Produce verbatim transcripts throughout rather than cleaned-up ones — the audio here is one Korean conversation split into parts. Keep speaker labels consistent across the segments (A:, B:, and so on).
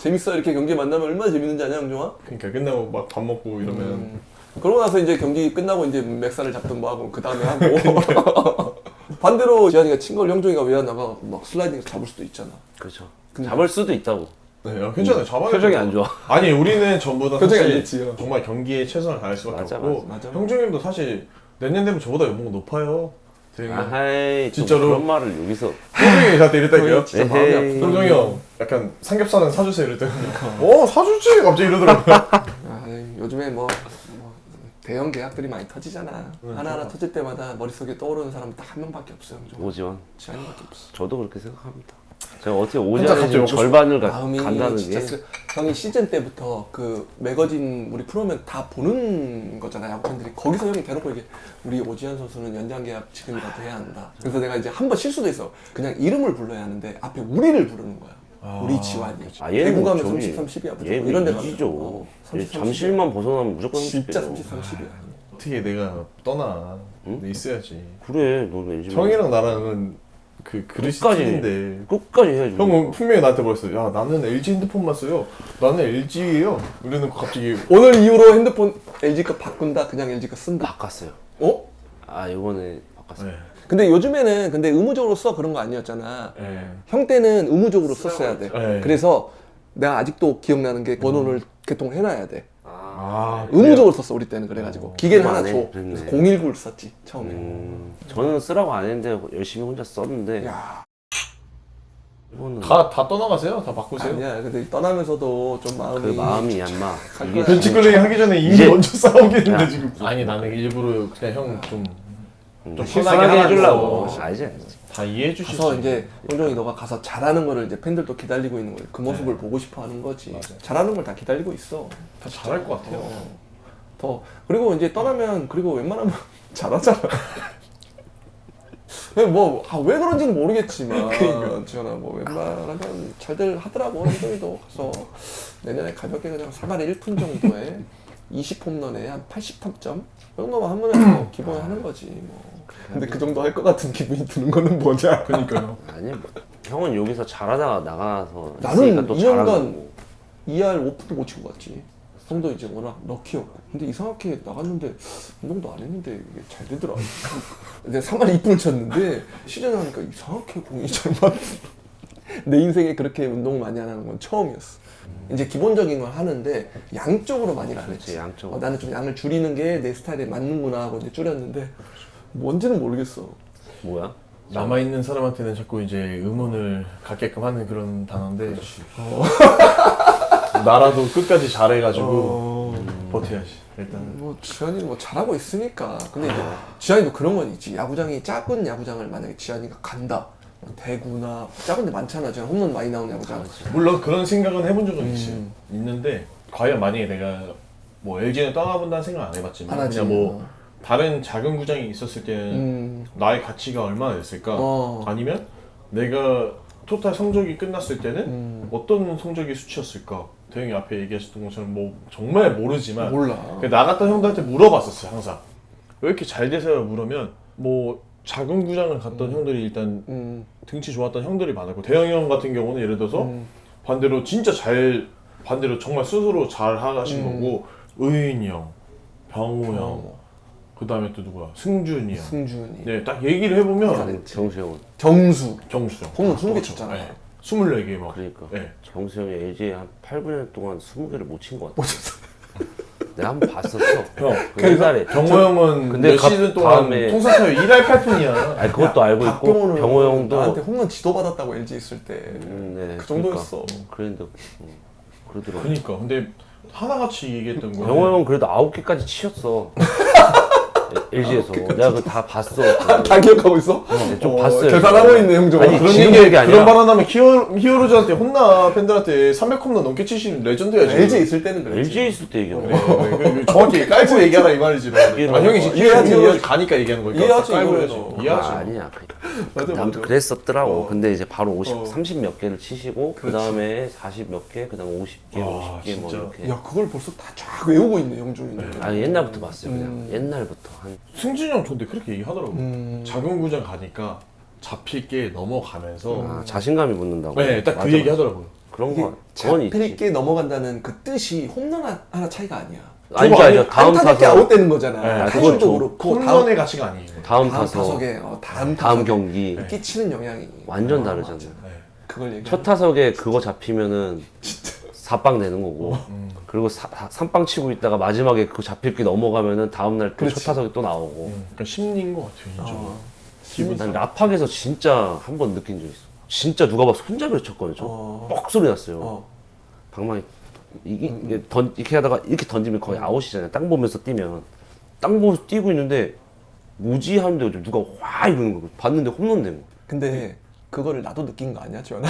A: 재밌어 이렇게 경기 만나면 얼마나 재밌는지 아냐 형종아?
B: 그러니까 끝나고 막 밥 먹고 이러면
A: 음. 그러고 나서 이제 경기 끝나고 이제 맥살을 잡든 뭐 하고 그 다음에 하고 반대로 지한이가 친 걸 형종이가 왜 안 나가 막 슬라이딩에서 잡을 수도 있잖아.
C: 그렇죠.
A: 근데-
C: 잡을 수도 있다고.
B: 네, 야, 괜찮아요. 잡아야
C: 표정이
B: 돼요.
C: 안 좋아.
B: 아니 우리는 전부 다
A: 표정이 안
B: 사실
A: 좋지요.
B: 정말 경기에 최선을 다할 수밖에
C: 맞아,
B: 없고
A: 맞아, 맞아.
B: 형준님도 사실 내년 되면 저보다 연봉 높아요. 되게
C: 아하이,
B: 진짜로?
C: 진짜로 그런 말을 여기서.
B: 형준이 저한테 이랬다니까요.
A: 진짜 마음이
C: 에헤이.
A: 아프다.
B: 형종이 형 약간 삼겹살은 사주세요 이랬더니 어 사주지 갑자기 이러더라고요.
A: 아, 요즘에 뭐, 뭐 대형 계약들이 많이 터지잖아.
B: 네,
A: 하나하나
B: 좋아.
A: 터질 때마다 머릿속에 떠오르는 사람이 딱 한 명밖에 없어요. 형종.
C: 오지환.
A: 지한이밖에 없어.
C: 저도 그렇게 생각합니다. 제가 어떻게
B: 혼자 갑자기
C: 오지환이
B: 먹고
C: 절반을 가,
A: 마음이
C: 간다는
A: 진짜
C: 게.
A: 쓰... 형이 시즌 때부터 그 매거진 우리 프로면 다 보는 거잖아 야구팬들이. 거기서 형이 대놓고 이게 우리 오지환 선수는 연장 계약 지금이라도 해야 한다. 그래서 내가 이제 한 번 실수도 있어. 그냥 이름을 불러야 하는데 앞에 우리를 부르는 거야.
B: 아,
A: 우리 지환이.
C: 아, 얘는
A: 대구
C: 뭐
A: 가면
C: 저기-
A: 삼십, 삼십이야 무조건.
C: 얘는
A: 이런 데
C: 이기죠.
A: 가면 어,
C: 얘
A: 삼십,
C: 잠실만 벗어나면 무조건
A: 진짜
C: 삼십이에요.
A: 삼십, 삼십이야.
B: 어떻게 내가 떠나?
C: 응?
B: 내 있어야지.
C: 그래, 너는 엘지.
B: 형이랑 나랑은 그 그릇이
C: 끝까지.
B: 틀린데.
C: 끝까지 해야지.
B: 형은 분명히 나한테 뭐랬어. 야 나는 엘지 핸드폰만 써요. 나는 엘지예요. 이래놓고 갑자기
A: 오늘 이후로 핸드폰 엘지 거 바꾼다. 그냥 엘지 거 쓴다.
C: 바꿨어요.
A: 어?
C: 아, 이번에 바꿨어요.
B: 네.
A: 근데 요즘에는 근데 의무적으로 써 그런 거 아니었잖아.
B: 네.
A: 형 때는 의무적으로 썼어야 돼.
B: 네.
A: 그래서 내가 아직도 기억나는 게 번호를 개통해놔야 돼.
C: 아,
B: 아
A: 의무적으로 썼어 우리 때는. 그래가지고
B: 어,
A: 기계를
C: 그거
A: 하나
C: 안
A: 줘.
C: 해. 그랬네.
A: 그래서 공일구를 썼지 처음에.
C: 음, 저는 쓰라고 안 했는데 열심히 혼자 썼는데
A: 야
C: 이거는
B: 다, 다 떠나가세요? 다 바꾸세요?
A: 아니야. 근데 떠나면서도 좀 마음이
C: 그 마음이 얌마.
A: 갈
C: 이게
A: 거야.
B: 벤치클레이 하기 전에 이미
C: 이제-
B: 먼저 싸우겠는데
C: 야.
B: 지금. 아니 나는 일부러 그냥 형 좀
C: 음,
B: 좀
C: 실수하게
B: 편하게
C: 해주려고.
B: 하라고.
C: 알지, 알지.
B: 다 이해해 주실
A: 가서
B: 수
A: 이제 형종이 너가 가서 잘하는 거를 이제 팬들도 기다리고 있는 거야. 그 모습을
B: 네.
A: 보고 싶어 하는 거지.
B: 맞아요.
A: 잘하는 걸 다 기다리고 있어.
B: 다 잘할 것 같아요.
A: 어. 더 그리고 이제 떠나면 그리고 웬만하면 잘하잖아. 뭐 왜 그런지는 모르겠지만
B: 그러니까.
A: 지현아 뭐 웬만하면 잘들 하더라고. 형종이도 가서 내년에 가볍게 그냥 사발에 일 푼 정도에 이십 홈런에 한 팔십 타점 그 정도만 하면 기본에 하는 거지 뭐. 근데 그 정도 할 것 같은 기분이 드는 거는 뭐냐?
B: 그러니까요.
C: 아니 뭐 형은 여기서 잘하다가 나가서
A: 나는
C: 있으니까 또
A: 이 년간
C: 잘하는 거고.
A: 이 할 오 푼도 못 치고 갔지. 형도 이제 워낙 럭키였고. 근데 이상하게 나갔는데 운동도 안 했는데 이게 잘 되더라. 내가 삼 할 이 푼을 쳤는데 시즌 하니까 이상하게 공이 잘 맞더라. 내 인생에 그렇게 운동을 많이 안 하는 건 처음이었어. 이제 기본적인 걸 하는데 양쪽으로 많이 안 했지.
C: 그렇지, 양쪽으로.
A: 어, 나는 좀 양을 줄이는 게 내 스타일에 맞는구나 하고 이제 줄였는데 뭔지는 모르겠어.
C: 뭐야?
B: 남아 있는 사람한테는 자꾸 이제 의문을 갖게끔 하는 그런 단어인데 나라도 끝까지 잘해가지고
A: 어...
B: 버텨야지 일단.
A: 뭐 지한이는 뭐 잘하고 있으니까. 근데 이제 지한이도 그런 건 있지. 야구장이 작은 야구장을 만약에 지한이가 간다. 뭐 대구나 작은 데 많잖아. 지금 홈런 많이 나오는 야구장.
B: 물론 그런 생각은 해본 적은
A: 음.
B: 있어요. 있는데 과연 만약에 내가 뭐 엘지는 떠나본다는 생각 안 해봤지만
A: 안 하지.
B: 그냥 뭐 다른 작은 구장이 있었을 때는
A: 음.
B: 나의 가치가 얼마나 됐을까?
A: 어.
B: 아니면 내가 토탈 성적이 끝났을 때는
A: 음.
B: 어떤 성적이 수치였을까? 대형이 앞에 얘기하셨던 것처럼 뭐 정말 모르지만
A: 몰라.
B: 그 나갔던 형들한테 물어봤었어요 항상. 왜 이렇게 잘 되세요? 물으면 뭐 작은 구장을 갔던 형들이 일단
A: 음.
B: 등치 좋았던 형들이 많았고 대형이 형 같은 경우는 예를 들어서
A: 음.
B: 반대로 진짜 잘 반대로 정말 스스로 잘 하신
A: 음.
B: 거고 의인이 형, 병우 형,
A: 어.
B: 그 다음에 또 누구야? 승준이 형.
A: 승준이.
B: 네, 딱 얘기를 해보면
A: 잘했지.
C: 정수 형은.
A: 정수.
B: 정수 형.
A: 홈런 스무 개
B: 그렇죠.
A: 쳤잖아.
B: 네. 스물네 개 막.
C: 그러니까
B: 네.
C: 정수 형이 엘지에 한 팔, 구 년 동안 스무 개를 못 친 것 같아.
A: 못 쳤어.
C: 내가 한번 봤었어.
B: 형,
C: 그 옛날에.
B: 병호 형은
C: 근데
B: 몇
C: 갑-
B: 시즌 동안
C: 다음에-
B: 통사타율 일 할 팔 푼이야.
C: 아니 그것도 알고 있고
A: 박병호는
C: 병호 형도
A: 나한테 홈런 지도 받았다고 엘지 있을 때.
C: 음, 네,
A: 그 정도였어.
C: 그러니까. 그랬는데 음, 그러더라고.
B: 그러니까 근데 하나같이 얘기했던 거는
C: 병호 형은 그래도 아홉 개까지 치셨어. 엘지에서 내가 그거 다 봤어.
A: 다 기억하고 있어?
C: 네, 좀
A: 어,
C: 봤어요.
A: 계산하고 있네 형종.
C: 아니,
B: 그런
C: 지금
B: 얘기
C: 얘기 아니라-
B: 그런 말 하면 히어 히어로즈한테 혼나 팬들한테 삼백 홈런 넘게 치시는 레전드야 지금.
A: 엘지 있을 때는 그랬지.
C: 엘지에 있을 때 얘기한
B: 그래,
C: 거야.
B: 그래, 그래. 정확히 깔고 얘기하라 이 말이지. 아, 형이 지금
A: 이해하지,
B: 히어로즈
A: 이해하지.
B: 가니까 얘기하는 거니까.
A: 이해하지,
B: 딱 깔고
A: 이거는.
B: 해야지.
A: 어.
B: 이해하지.
C: 아, 아니야.
A: 맞아,
C: 아무튼
A: 맞아.
C: 그랬었더라고.
A: 어.
C: 근데 이제 바로 오십,
A: 어.
C: 삼십 몇 개를 치시고 그 다음에 사십 몇 개, 그 다음에 오십 개,
B: 와,
C: 오십 개 뭐
B: 진짜.
C: 이렇게.
A: 야 그걸 벌써 다 쫙 외우고 있네 형종이는.
C: 아 옛날부터 봤어요. 그냥
A: 음.
C: 옛날부터 한.
B: 승진이 형 근데 그렇게 얘기하더라고.
A: 음.
B: 작은 구장 가니까 잡힐 게 넘어가면서
C: 아, 자신감이 붙는다고.
B: 네, 딱 그
C: 맞아,
B: 얘기 하더라고요.
C: 그런
A: 이게
C: 거 그건
A: 잡힐
C: 있지.
A: 게 넘어간다는 그 뜻이 홈런 하- 하나 차이가 아니야.
C: 아니죠, 아니죠. 다음
A: 안타깝게
C: 타석,
A: 아웃되는 거잖아.
B: 네,
A: 타율도
C: 그건
A: 그렇고 다음,
B: 홈런의 가치가 아니에요.
C: 다음
A: 다음
C: 타석,
A: 타석에 어, 다음
C: 다음
A: 타석에
C: 경기
A: 끼치는 영향이
C: 완전
A: 어,
C: 다르잖아요.
A: 맞아.
B: 네.
A: 그걸 얘기.
C: 첫 타석에 그거 잡히면은 사빵 되는 거고,
B: 음.
C: 그리고 사, 삼빵 치고 있다가 마지막에 그거 잡힐 게 넘어가면은 다음날 또 첫
A: 그렇지.
C: 타석에 또 나오고.
B: 음, 그러니까 심리인 것 같아요, 이쪽은.
A: 어.
B: 기분
C: 난 라팍에서 진짜 한 번 느낀 적 있어. 진짜 누가 봐서 손잡이를 쳤거든요. 저.
A: 어.
C: 뻑 소리 났어요.
A: 어.
C: 방망이 이게, 이게 던, 이렇게 하다가 이렇게 던지면 거의 아웃이잖아요. 땅 보면서 뛰면 땅 보면서 뛰고 있는데 뭐지 하는데 누가 와 이러는 거고 봤는데 홈런 된 거.
A: 근데 그거를 나도 느낀 거 아니야, 지원아?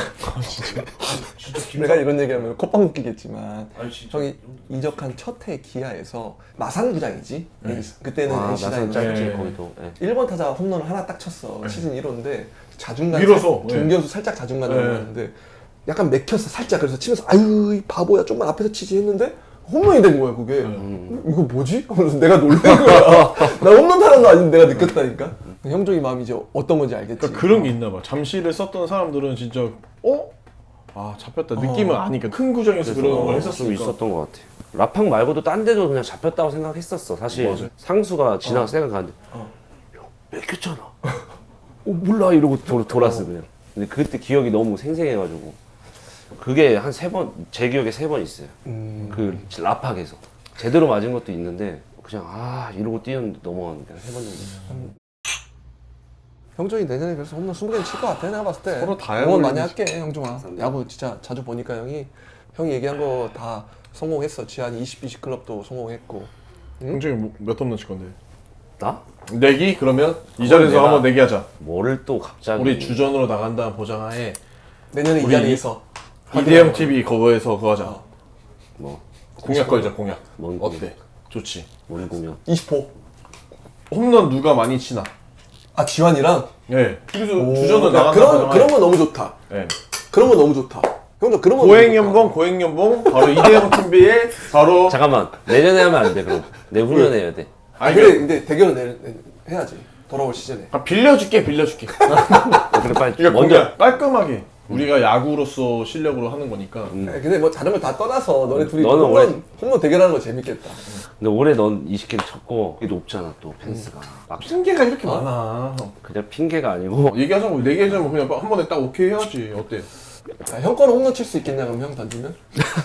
A: 내가 이런 얘기하면 콧방 웃기겠지만 형이 이적한 첫 해 기아에서 마산구장이지.
B: 네.
A: 그때는
C: 아,
A: 엔씨라인
C: 나선 짧지
B: 네.
C: 거기도. 네.
A: 일 번 타자가 홈런을 하나 딱 쳤어. 시즌 일 호인데 자중간
B: 밀어서,
A: 살-
B: 네.
A: 중견수 살짝 자중간
B: 네.
A: 넘어갔는데 약간 맥혔어 살짝. 그래서 치면서 아유 이 바보야 좀만 앞에서 치지 했는데 홈런이 된 거야 그게. 음, 이거 뭐지? 하면서 내가 놀란 거야. 나 홈런 타는 거 아닌데 내가 느꼈다니까. 형종이 마음이 이제 어떤 건지 알겠지.
B: 그러니까 그런 게 있나 봐. 잠시를 썼던 사람들은 진짜 어? 아 잡혔다 느낌은 아니까 큰 구장에서 그런 걸
C: 좀
B: 했었으니까.
C: 있었던 것 같아. 라팍 말고도 딴 데도 그냥 잡혔다고 생각했었어. 사실
B: 맞아요.
C: 상수가 지나가 생각하는데
A: 어.
C: 형 맥혔잖아. 어 몰라 이러고 돌, 돌았어 그냥. 근데 그때 기억이 너무 생생해가지고 그게 한 세 번 제 기억에 세 번 있어요.
A: 음.
C: 그 라팍에서 제대로 맞은 것도 있는데 그냥 아 이러고 뛰었는데 넘어갔는데 세 번 정도.
A: 음. 형종이 내년에 그래서 홈런 스무 개는 칠 것 같아. 내가 봤을 때.
B: 서로 다
A: 응원 많이
B: 해버리지.
A: 할게 형종아. 야구 진짜 자주 보니까 형이 형이 얘기한 거 다 성공했어. 지한 이십 비씩 클럽도 성공했고.
B: 형정이 뭐- 몇 홈런 칠 건데?
C: 나?
B: 내기? 그러면 이 자리에서
C: 내가-
B: 한번 내기하자.
C: 뭐를 또 갑자기
B: 우리 주전으로 나간다는 보장하에
A: 내년에 이
B: 우리
A: 자리에서
B: 이디엠 티비 그거에서 그거 하자.
A: 어.
C: 뭐
B: 공약 걸자 공약.
C: 뭔
B: 어때? 좋지.
C: 뭔 공연?
A: 이십 호.
B: 홈런 누가 많이 치나?
A: 아 지환이랑.
B: 예. 그래서
A: 오,
B: 주전으로
A: 야,
B: 나간다
A: 그런
B: 보장하에.
A: 그런 거 너무 좋다.
B: 예.
A: 그런 거 너무 좋다. 형종 그런 거
B: 고액
A: 너무 좋다.
B: 연봉, 고액 연봉, 바로 이대형 팀비에 바로.
C: 잠깐만 내년에 하면 안 돼 그럼 내후년에 해야 돼.
A: 아
B: 아니,
A: 그래
B: 그-
A: 근데 대결은 내, 내, 해야지. 돌아올 시즌에.
B: 아, 빌려줄게, 빌려줄게.
C: 그래 빨리
B: 그러니까
C: 먼저
B: 먼저 깔끔하게 우리가 야구로서 실력으로 하는 거니까.
A: 네, 근데 뭐 다른 걸 다 떠나서 너네 둘이
C: 너는
A: 홈런,
C: 원래-
A: 홈런 대결하는 거 재밌겠다.
C: 근데 올해 넌 이십 개를 쳤고 이게 높잖아 또 펜스가 막
B: 핑계가 이렇게 많아.
C: 그냥 핑계가 아니고
B: 얘기하자고 내기하자면 그냥 한 번에 딱 오케이 해야지. 어때?
A: 자, 형 거는 홈런 칠 수 있겠냐 그럼 형 던지면?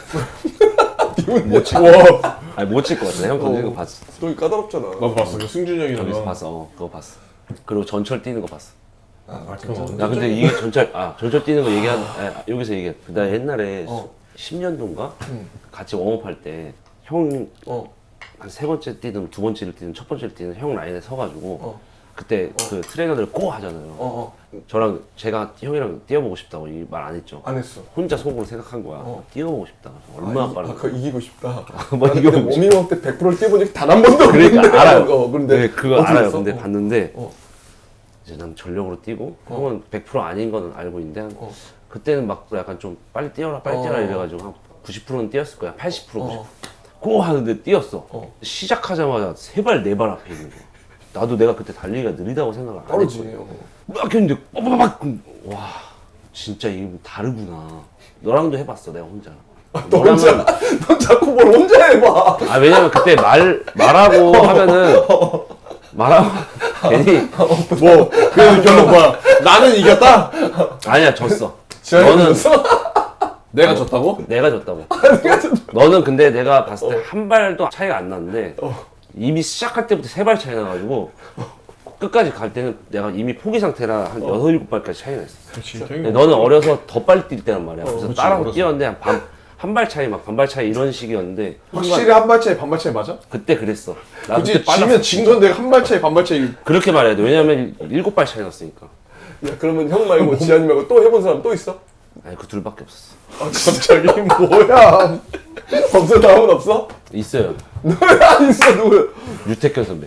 C: 못 치고
B: 와,
C: 아니 못 칠 것 같아 형 던지는
A: 어.
C: 거 봤어.
A: 너 까다롭잖아.
B: 나도 봤어. 그 승준이 형이랑.
C: 저기서 봤어. 어, 그거 봤어. 그리고 전철 뛰는 거 봤어.
A: 아,
B: 그럼
A: 진짜.
C: 야 근데 이게 전철 아 전철 뛰는 거 얘기한 아, 여기서 얘기해. 나 옛날에
A: 어.
C: 십 년도인가
A: 응.
C: 같이 웜업할 때 형
A: 어.
C: 한 세 번째 뛰든 두 번째를 뛰든 첫 번째를 뛰든 형 라인에 서가지고
A: 어.
C: 그때 그 트레이너들 고 하잖아요.
A: 어. 어.
C: 저랑 제가 형이랑 뛰어보고 싶다고 이 말 안 했죠.
A: 안 했어.
C: 혼자 속으로 생각한 거야.
A: 어.
C: 뛰어보고 싶다. 얼마나
A: 아,
C: 빠른가.
A: 아, 그거 이기고 싶다.
C: 뭐
A: 나는
C: 이기고
A: 근데
C: 싶다.
A: 워밍업 때 백 퍼센트를 뛰어본 적이 단 한 번도 없는데.
C: 그러니까 알아요.
A: 어, 근데
C: 네, 그거
A: 어떻게
C: 알아요.
A: 했어?
C: 근데
A: 어.
C: 봤는데
A: 어.
C: 이제 난 전력으로 뛰고
A: 어.
C: 형은 백 퍼센트 아닌 거는 알고 있는데 한
A: 어.
C: 그때는 막 약간 좀 빨리 뛰어라 빨리 뛰어라
A: 어.
C: 이래가지고 한 구십 퍼센트는 뛰었을 거야. 팔십 퍼센트
A: 어.
C: 구십 퍼센트 고 하는데 뛰었어.
A: 어.
C: 시작하자마자 세 발 네 발 앞에 있는 거야. 나도 내가 그때 달리기가 느리다고 생각을 안
A: 빠르지.
C: 했거든.
A: 어.
C: 막 했는데 빠바박 와 진짜 이게 다르구나. 너랑도 해봤어 내가 혼자.
A: 너 혼자, 너 자꾸 뭘 혼자 해봐.
C: 아 왜냐면 그때 말 말하고 하면은 말하고 괜히
B: 뭐, 그 결론 뭐야? 나는 이겼다?
C: 아니야 졌어.
A: 지환이
C: 너는
A: 졌어?
B: 내가 졌다고?
C: 내가 졌다고.
A: 내가 졌-
C: 너는 근데 내가 봤을 때 한 발도 차이가 안 났는데 이미 시작할 때부터 세 발 차이 나가지고 끝까지 갈 때는 내가 이미 포기 상태라 한 여섯 일곱 발까지 차이가 났어.
B: 그렇지.
C: 근데 너는 어려서 더 빨리 뛸 때란 말이야. 그래서
B: 그렇지,
C: 따라서
B: 어려서.
C: 뛰었는데 한 반, 한 발 차이 막 반발 차이 이런 식이었는데
B: 확실히 한 발 차이, 반 발 차이 맞아?
C: 그때 그랬어. 나
B: 그치,
C: 그때 빨랐어.
B: 지면 진 건데 한 발 차이, 반 발 차이.
C: 그렇게 말해야 돼. 왜냐면 일곱 발 차이 났으니까.
A: 야, 그러면 형 말고 지환이 말고 또 해본 사람 또 있어?
C: 아니 그 둘밖에 없었어.
B: 갑자기 뭐야?
A: 없어? 다음은 없어?
C: 있어요.
A: 누구야? 안 있어, 누구?
C: 유태현 선배.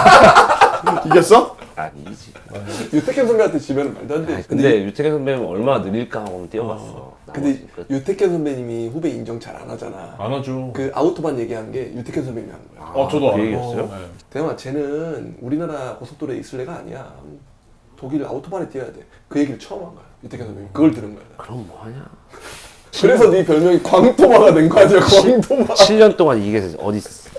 B: 이겼어?
C: 아니지.
A: 유태현 선배한테 지면은 말도 안 돼.
C: 아니, 근데 유태현 선배는 얼마나 느릴까 하고 뛰어봤어.
A: 근데
C: 나머지 끝.
A: 유태현 선배님이 후배 인정 잘 안 하잖아.
B: 안 하죠.
A: 그 아우토반 얘기한 게 유태현 선배님이 한 거야.
B: 어, 저도
C: 그
B: 알아요.
C: 얘기였어요?
B: 네.
A: 대마 쟤는 우리나라 고속도로에 있을 애가 아니야. 독일 아우토반에 뛰어야 돼. 그 얘기를 처음 한 거야. 유태현 선배님. 그걸 들은 거야.
C: 그럼 뭐하냐?
A: 그래서 네 별명이 광토마가 된 거 아니야? 광토마.
C: 칠 년 동안 이게 어디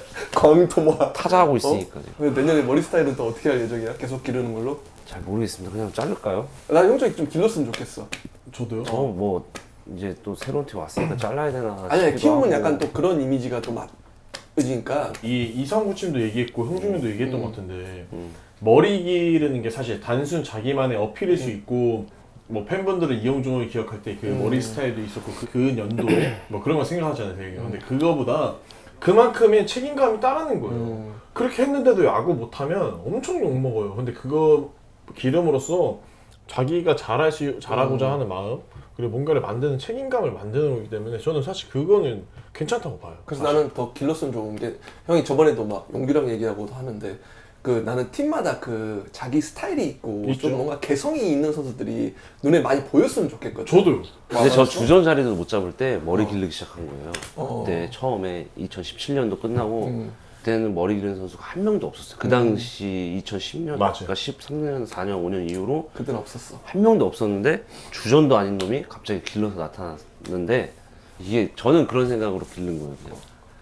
A: 광토마.
C: 타자하고 있으니까.
A: 근데 내년에 머리 스타일은 또 어떻게 할 예정이야? 계속 기르는 걸로?
C: 잘 모르겠습니다. 그냥 자를까요?
A: 난 형적이 좀 길렀으면 좋겠어.
B: 저도요.
C: 저 뭐 이제 또 새로운 팀 왔으니까 잘라야 되나.
A: 아니야,
C: 싶기도
A: 키우면
C: 하고.
A: 약간 또 그런 이미지가 또 맞으니까.
B: 이 이상구 팀도 얘기했고 형준이도 얘기했던 것 같은데
C: 음.
B: 머리 기르는 게 사실 단순 자기만의 어필일 수 있고 뭐 팬분들은 이영종을 기억할 때 그
A: 음.
B: 머리 스타일도 있었고 그, 그 연도에 뭐 그런 거 생각하잖아요 되게. 근데 그거보다 그만큼의 책임감이 따르는 거예요.
A: 음.
B: 그렇게 했는데도 야구 못하면 엄청 욕먹어요. 근데 그거 기름으로써 자기가 잘할 수, 잘하고자
A: 음.
B: 하는 마음 그리고 뭔가를 만드는 책임감을 만드는 거기 때문에 저는 사실 그거는 괜찮다고 봐요.
A: 그래서
B: 사실.
A: 나는 더 길렀으면 좋은 게 형이 저번에도 막 용규랑 얘기하고도 하는데 그 나는 팀마다 그 자기 스타일이 있고
B: 있죠.
A: 좀 뭔가 개성이 있는 선수들이 눈에 많이 보였으면 좋겠거든.
B: 저도요.
C: 근데 저
A: 맞았어?
C: 주전 자리도 못 잡을 때 머리 기르기 시작한 거예요.
A: 어.
C: 그때 처음에 이천십칠 년도 끝나고
A: 음.
C: 그때는 머리 기르는 선수가 한 명도 없었어요. 그 당시 이천십 년,
B: 맞아요.
C: 그러니까 십삼 년, 사 년, 오 년 이후로
A: 그때는 없었어.
C: 한 명도 없었는데 주전도 아닌 놈이 갑자기 길러서 나타났는데 이게 저는 그런 생각으로 기른 거예요. 그냥.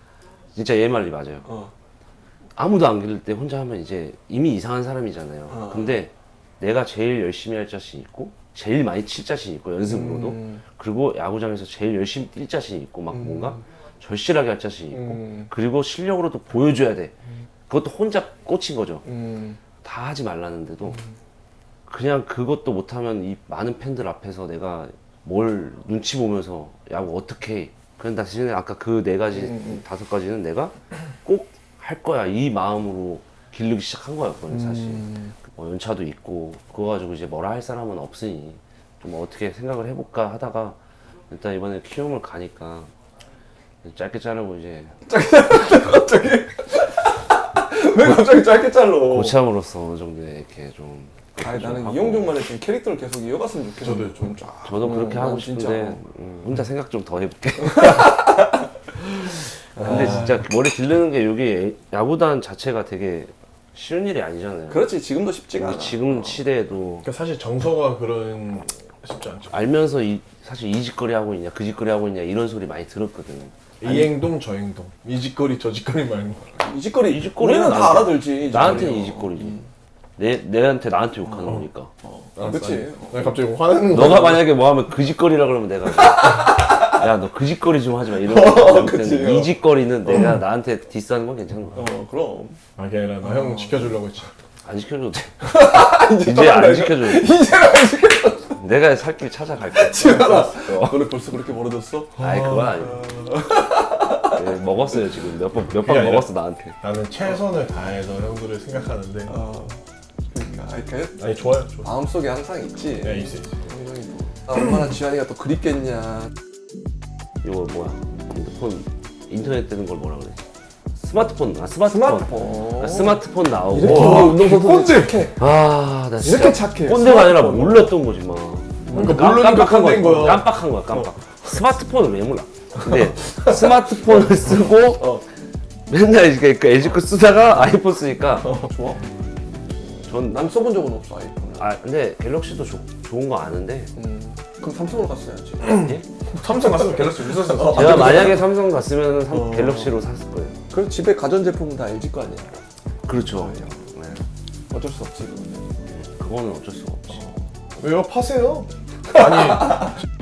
C: 진짜 얘 말이 맞아요.
A: 어.
C: 아무도 안 기를 때 혼자 하면 이제 이미 이상한 사람이잖아요.
A: 어.
C: 근데 내가 제일 열심히 할 자신 있고 제일 많이 칠 자신 있고 연습으로도
A: 음.
C: 그리고 야구장에서 제일 열심히 뛸 자신 있고 막
A: 음.
C: 뭔가 절실하게 할 자신 있고
A: 음.
C: 그리고 실력으로도 보여줘야 돼. 그것도 혼자 꽂힌 거죠.
A: 음.
C: 다 하지 말라는데도 그냥 그것도 못하면 이 많은 팬들 앞에서 내가 뭘 눈치 보면서 야구 어떻게 해. 그냥 대신에 아까 그 네 가지
A: 음, 음.
C: 다섯 가지는 내가 꼭 할 거야 이 마음으로 기르기 시작한 거였거든요 사실.
A: 음.
C: 뭐 연차도 있고 그거 가지고 이제 뭐라 할 사람은 없으니 좀 어떻게 생각을 해볼까 하다가 일단 이번에 키움을 가니까 짧게 자르고 이제
A: 갑자기 왜 갑자기 짧게 잘라?
C: 고참으로서 어느 정도 이렇게 좀
A: 아니
C: 좀
A: 나는
C: 하고.
A: 이영종만의 좀 캐릭터를 계속 이어갔으면 좋겠어.
B: 저도요, 좀
A: 쫙.
C: 저도 그렇게
A: 어,
C: 하고
A: 난
C: 싶은데
A: 진짜.
C: 음, 혼자 생각 좀 더 해볼게. 근데 진짜 머리 기르는 게 여기 야구단 자체가 되게 쉬운 일이 아니잖아요.
A: 그렇지 지금도 쉽지가
C: 우리
A: 않아.
C: 지금 시대에도
B: 그러니까 사실 정서가 그런 쉽지 않죠.
C: 알면서 이, 사실 이 짓거리 하고 있냐 그 짓거리 하고 있냐 이런 소리 많이 들었거든.
B: 이 행동 저 행동 이 짓거리 저 짓거리 말고
A: 이 짓거리
C: 이 짓거리는
A: 우리는 다
C: 나한테-
A: 알아들지. 이
C: 나한테는
A: 짓거리요.
C: 이 짓거리지.
A: 음.
C: 내 내한테 나한테 욕하는 거니까.
A: 어, 그렇지.
B: 나 갑자기 화내는 거.
C: 너가 만약에 뭐 하면 그 짓거리라 그러면 내가 야 너 그 짓거리 좀 하지 마 이런
A: 어,
C: 거
A: 그치.
C: 텐데 이 짓거리는 내가 나한테 디스하는 건 괜찮은 거야.
A: 어 그럼.
B: 아 그게 아니라 나 형 지켜주려고 했지.
C: 안 지켜줘도 돼.
A: 이제
C: 이제 안 지켜줘도 돼.
A: 이제는 안 지켜줘.
C: 내가 살 길 찾아갈게.
A: 지현아.
C: 어.
A: 너네 벌써 그렇게 멀어졌어?
C: 아이 그건 아니고. 네, 먹었어요 지금 몇 번 몇
B: 그게
C: 번
B: 아니라-
C: 먹었어 나한테.
B: 나는 최선을 다해서 형들을 생각하는데
A: 어. 그러니까 아니 그
B: 아니 좋아요 좋아.
A: 마음속에 항상 있지.
B: 네 있어 있어.
A: 형이 뭐. 아, 얼마나 지환이가 또 그립겠냐.
C: 이거 뭐야? 핸드폰 인터넷 되는 걸 뭐라 그래? 스마트폰. 아 스마트폰.
A: 스마트폰.
C: 아, 스마트폰 나오고.
A: 이렇게
B: 와,
A: 운동선수 착해.
C: 아, 나 진짜
A: 이렇게 착해.
C: 꼰대가 아니라
A: 스마트폰.
C: 몰랐던 거지 막.
B: 그러니까 모르니까 꼰대인 거야.
C: 깜빡한 거야, 깜빡. 스마트폰을 왜 몰라? 근데 스마트폰을 쓰고
A: 어.
C: 맨날 이렇게 그 엘지 거 쓰다가 아이폰 쓰니까
A: 어, 좋아.
C: 전
A: 난 써본 적은 없어 아이폰을.
C: 아 근데 갤럭시도 조, 좋은 거 아는데
A: 음. 그럼 삼성으로 갔어야지.
C: 예?
B: 삼성 갔으면 갤럭시 무슨
C: 제가 만약에 삼성 갔으면 삼-
A: 어.
C: 갤럭시로 샀을 거예요.
A: 그래서 집에 가전제품은 다 엘지 거 아니야.
C: 그렇죠. 네.
A: 어쩔 수 없지 그거는.
C: 그거는 어쩔 수가 없지.
B: 왜요 파세요? 아니